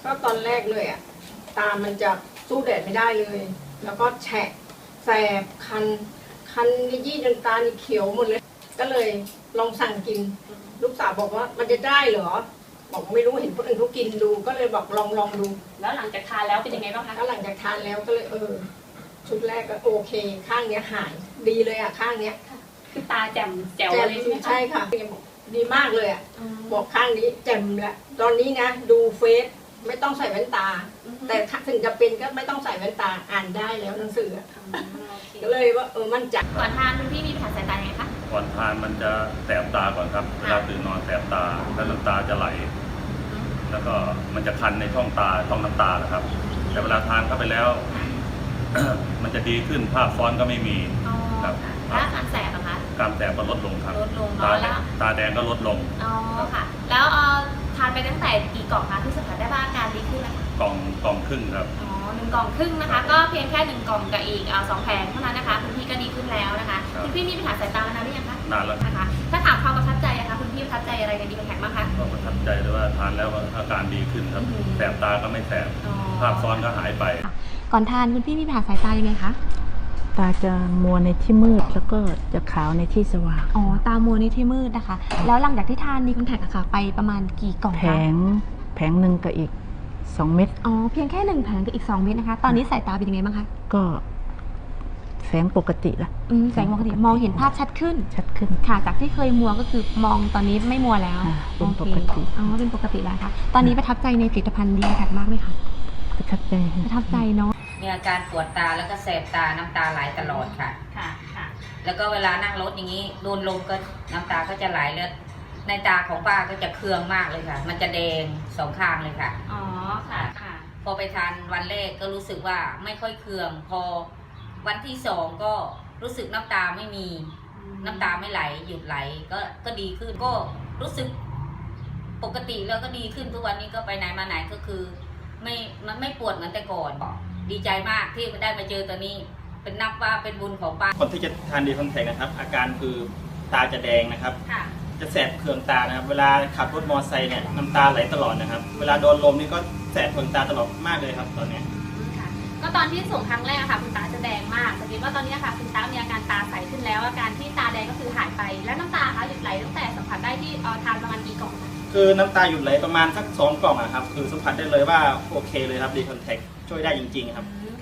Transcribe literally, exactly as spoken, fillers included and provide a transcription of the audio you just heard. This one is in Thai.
ก็ตอนแรกเลยอ่ะตามันจะสู้แดดไม่ได้เลย แล้วก็แฉะแสบคันคันยี่จนตานี่เขียวหมดเลยก็เลยลองสั่งกินลูกสาวบอกว่ามันจะได้เหรอบอกไม่รู้เห็นคนอื่นเขากินดูก็เลยบอกลองลองดูแล้วหลังจากทานแล้วเป็นยังไงบ้างคะแล้วหลังจากทานแล้วก็เลยเออชุดแรกก็โอเคข้างเนี้ยหายดีเลยอ่ะข้างเนี้ยคือตาแจ่มแจ๋วเลยใช่ไหมคะใช่ค่ะดีมากเลยอ่ะบอกข้างนี้แจ่มละตอนนี้นะดูเฟซไม่ต้องใส่แว่นตาแต่ถึงจะเป็นก็ไม่ต้องใส่แว่นตาอ่านได้แล้วหนังสือก็เลยว่าเออมั่นใจก่อนทานคุณพี่มีปัญหาสายตาไงคะก่อนทานมันจะแสบตาก่อนครับเวลาตื่นนอนแสบตาแล้วน้ำตาจะไหลแล้วก็มันจะคันในช่องตาช่องน้ำตานะครับแต่เวลาทานเข้าไปแล้ว มันจะดีขึ้นภาพซ้อนก็ไม่มีครับแล้วการแสบอะคะการแสบก็ลดลงครับลดลงตาแล้วตาแดงก็ลดลงอ๋อค่ะแล้วเออทานไปตั้งแต่กี่กล่องคะที่สัมผัสได้ว่าอาการดีขึ้นนะคะกล่องกล่องครึ่งครับอ๋อหนึ่งกล่องครึ่งนะคะก็เพียงแค่หนึ่งกล่องกับอีกสองแผงเท่านั้นนะคะคุณพี่ก็ดีขึ้นแล้วนะคะคุณพี่มีปัญหาสายตามานานหรือยังคะนานแล้วนะคะถ้าถามความประทับใจอะคะคุณพี่ประทับใจอะไรในดีคอนแทคบ้างคะก็ประทับใจเลยว่าทานแล้วอาการดีขึ้นครับแสบตาก็ไม่แสบภาพซ้อนก็หายไปก่อนทานคุณพี่มีปัญหาสายตายังไงคะตาจะมัวในที่มืดแล้วก็จะขาวในที่สว่างอ๋อตามัวในที่มืดนะคะแล้วหลังจากที่ทานดีคอนแทคอะค่ะไปประมาณกี่กล่องคะแผงแผงหนึ่งกับอีกสองเม็ดอ๋อเพียงแค่หนึ่งแผงกับอีกสองเม็ดนะคะตอนนี้สายตาเป็นยังไงบ้างคะก็แสงปกติละแสงปกติมองเห็นภาพชัดขึ้นชัดขึ้นค่ะจากที่เคยมัวก็คือมองตอนนี้ไม่มัวแล้วเป็นปกติอ๋อเป็นปกติแล้วค่ะตอนนี้ประทับใจในผลิตภัณฑ์ดีคอนแทคมากไหมคะประทับใจประทับใจเนาะมีอาการปวดตาแล้วก็แสบตาน้ำตาไหลตลอดค่ะค่ะค่ะแล้วก็เวลานั่งรถอย่างนี้โดนลมก็น้ำตาก็จะไหลเลือดในตาของป้าก็จะเคืองมากเลยค่ะมันจะแดงสองข้างเลยค่ะอ๋อค่ะค่ะพอไปทานวันแรกก็รู้สึกว่าไม่ค่อยเคืองพอวันที่สองก็รู้สึกน้ำตาไม่มีน้ำตาไม่ไหลหยุดไหลก็ก็ดีขึ้นก็รู้สึกปกติแล้วก็ดีขึ้นทุกวันนี้ก็ไปไหนมาไหนก็คือไม่มันไม่ปวดเหมือนแต่ก่อนดีใจมากที่ได้มาเจอตัวนี้เป็นนับว่าเป็นบุญของป้าคนที่จะทานดีคอนแทคนะครับอาการคือตาจะแดงนะครับจะแสบเคืองตานะครับเวลาขับรถมอเตอร์ไซค์เนี่ยน้ำตาไหลตลอดนะครับเวลาโดนลมนี่ก็แสบเคืองตาตลอดมากเลยครับตอนนี้ก็ตอนที่ส่งครั้งแรกค่ะคุณตาจะแดงมากสังเกตว่าตอนนี้ค่ะคุณตามีอาการตาใสขึ้นแล้วอาการที่ตาแดงก็คือหายไปแล้วน้ำตาคะหยุดไหลตั้งแต่สัมผัสได้ที่ทานประมาณกี่กล่องคะคือน้ำตาหยุดไหลประมาณสักสองกล่องอะครับคือสัมผัสได้เลยว่าโอเคเลยครับดีคอนแทคช่วยได้จริงๆครับ